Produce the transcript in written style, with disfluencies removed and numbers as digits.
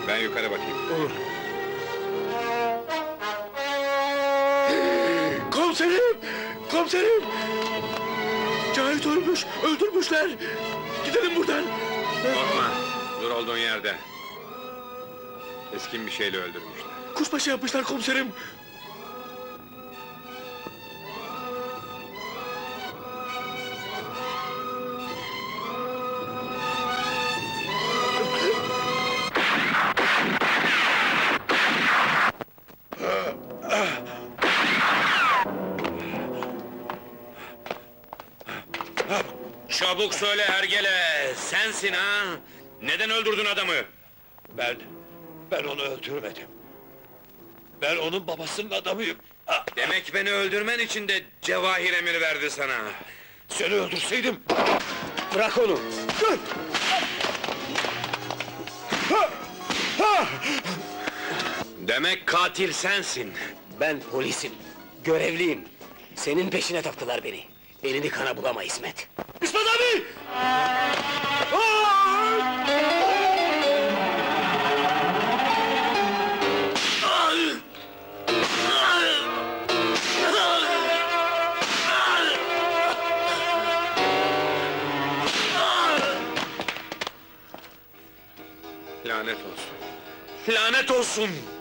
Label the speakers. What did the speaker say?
Speaker 1: Ben yukarı bakayım.
Speaker 2: Olur. Komiserim! Komiserim! Cahit ölmüş, öldürmüşler! Gidelim buradan!
Speaker 1: Korkma, dur olduğun yerde. Keskin bir şeyle öldürmüşler.
Speaker 2: Kuşbaşı yapmışlar komiserim!
Speaker 1: Çabuk söyle hergele, sensin ha? Neden öldürdün adamı?
Speaker 2: Ben onu öldürmedim. Ben onun babasının adamıyım.
Speaker 1: Demek beni öldürmen için de Cevahir emir verdi sana.
Speaker 2: Seni öldürseydim! Bırak onu!
Speaker 1: Demek katil sensin.
Speaker 3: Ben polisim, görevliyim. Senin peşine taktılar beni. Elini kana bulama İsmet.
Speaker 2: İsmet abi!
Speaker 1: Lanet olsun. Lanet olsun!